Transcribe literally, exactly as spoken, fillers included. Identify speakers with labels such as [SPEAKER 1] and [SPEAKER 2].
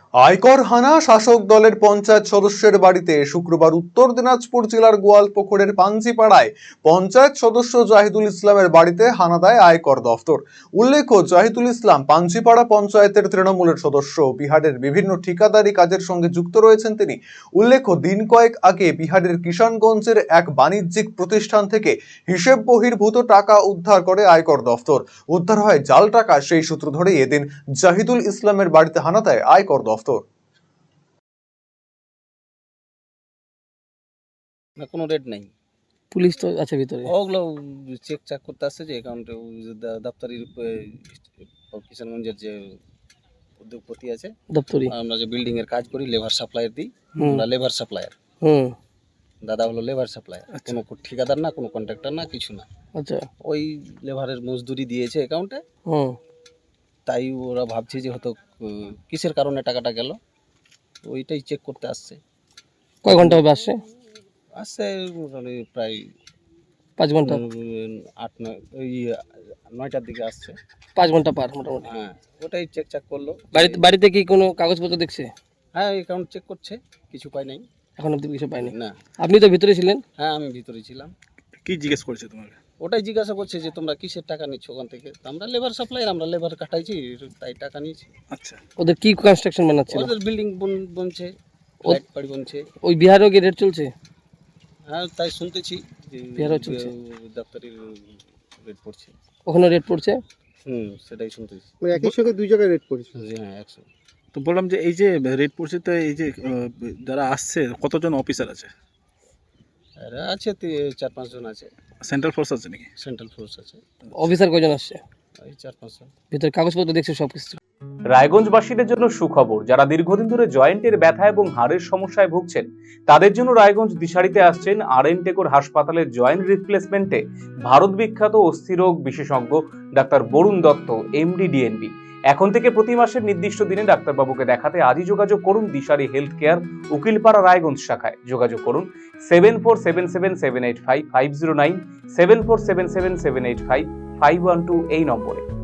[SPEAKER 1] আয়কর হানা, শাসক দলের পঞ্চায়েত সদস্যের বাড়িতে শুক্রবার উত্তর দিনাজপুর জেলার গোয়ালপুকুরের পাঞ্জিপাড়ায় পঞ্চায়েত সদস্য জাহিদুল ইসলামের বাড়িতে হানা দেয় আয়কর দফতর। উল্লেখ্য, জাহিদুল ইসলাম পাঞ্জিপাড়া পঞ্চায়েতের তৃণমূলের সদস্য। বিহারের বিভিন্ন ঠিকাদারি কাজের সঙ্গে যুক্ত রয়েছেন তিনি। উল্লেখ্য, দিন কয়েক আগে বিহারের কিষানগঞ্জের এক বাণিজ্যিক প্রতিষ্ঠান থেকে হিসেব বহির্ভূত টাকা উদ্ধার করে আয়কর দফতর। উদ্ধার হয় জাল টাকা। সেই সূত্র ধরে এদিন জাহিদুল ইসলামের বাড়িতে হানা দেয় আয়কর দফতর।
[SPEAKER 2] না, কোনো রেড নাই।
[SPEAKER 3] পুলিশ তো আছে ভিতরে,
[SPEAKER 2] ওগুলো চেক চাক করতে আসছে যে অ্যাকাউন্টে দপ্তরির কিষানগঞ্জের যে উদ্যোগপতি আছে,
[SPEAKER 3] দপ্তরি
[SPEAKER 2] আমরা যে বিল্ডিং এর কাজ করি, লেবার সাপ্লায়ার দিই, আমরা লেবার সাপ্লায়ার।
[SPEAKER 3] হুম
[SPEAKER 2] দাদা হলো লেবার সাপ্লায়ার, কোনো ঠিকাদার না, কোনো কন্ট্রাক্টর না, কিছু না।
[SPEAKER 3] আচ্ছা,
[SPEAKER 2] ওই লেবারের মজদুরি দিয়েছে অ্যাকাউন্টে।
[SPEAKER 3] হুম
[SPEAKER 2] তাই ওরা ভাবছে যে হয়তো উম, কিসের কারণে টাকাটা গেল, ওইটাই চেক করতে আসছে।
[SPEAKER 3] কয় ঘন্টা হবে আসছে?
[SPEAKER 2] আসছে মোটামুটি প্রায়
[SPEAKER 3] পাঁচ ঘন্টা
[SPEAKER 2] উম, আট নয় ওই নয়টার দিকে আসছে।
[SPEAKER 3] পাঁচ ঘন্টা পার মোটামুটি।
[SPEAKER 2] হ্যাঁ, ওটাই চেক চাক করলো।
[SPEAKER 3] বাড়িতে বাড়িতে কি কোনো কাগজপত্র দেখছে?
[SPEAKER 2] হ্যাঁ, অ্যাকাউন্ট চেক করছে, কিছু পাই নাই।
[SPEAKER 3] এখন অব্দি কিছু পাইনি।
[SPEAKER 2] না।
[SPEAKER 3] আপনি তো ভিতরে ছিলেন?
[SPEAKER 2] হ্যাঁ, আমি ভিতরে ছিলাম।
[SPEAKER 4] কি জিজ্ঞেস করছে তোমাকে?
[SPEAKER 2] ওটাই জিজ্ঞাসা করছে যে তোমরা কিসের টাকা নিচ্ছ ওখান থেকে। তো আমরা লেবার সাপ্লায়ার, আমরা লেবার কাটাইছি, তাই টাকা নিয়েছি।
[SPEAKER 4] আচ্ছা,
[SPEAKER 3] ওদের কি কনস্ট্রাকশন বানাচ্ছিল?
[SPEAKER 2] ওদের বিল্ডিং বনছে, ফ্ল্যাট বাড়ি বনছে।
[SPEAKER 3] ওই বিহারেও কি রেট চলছে?
[SPEAKER 2] হ্যাঁ, তাই শুনতেছি যে
[SPEAKER 3] বিহারেও চলছে,
[SPEAKER 2] দপ্তরের রেট পড়ছে।
[SPEAKER 3] ওখানে রেট পড়ছে।
[SPEAKER 2] হুম, সেটাই শুনতেছি।
[SPEAKER 5] ওই একই সঙ্গে দুই জায়গায় রেট পড়েছে।
[SPEAKER 2] হ্যাঁ, একশো।
[SPEAKER 4] তো বললাম যে এই যে রেড পড়ছে, তো এই যে আহ, যারা আসছে কতজন অফিসার আছে?
[SPEAKER 2] এরা আছে তি- চার পাঁচজন আছে।
[SPEAKER 4] সেন্ট্রাল ফোর্স আছে নাকি?
[SPEAKER 2] সেন্ট্রাল ফোর্স আছে,
[SPEAKER 3] অফিসার কয়জন আসছে?
[SPEAKER 2] এই চার পাঁচজন।
[SPEAKER 3] ভিতরে কাগজপত্র দেখছে সব কিছু?
[SPEAKER 6] রায়গঞ্জবাসীদের জন্য সুখবর। যারা দীর্ঘদিন ধরে জয়েন্টের ব্যথা এবং হাড়ের সমস্যায় ভুগছেন, তাদের জন্য রায়গঞ্জ দিশারিতে আসছেন আর এন টেকোর হাসপাতালের জয়েন্ট রিপ্লেসমেন্টে ভারত বিখ্যাত অস্থিরোগ বিশেষজ্ঞ doctor Barun Dutta, MD, DNB. এখন থেকে প্রতি মাসের নির্দিষ্ট দিনে ডাক্তারবাবুকে দেখাতে আজই যোগাযোগ করুন দিশারি হেলথ কেয়ার, উকিলপাড়া, রায়গঞ্জ শাখায়। যোগাযোগ করুন seven four seven seven seven eight five five zero nine, seven four seven seven seven eight five five one two এই নম্বরে।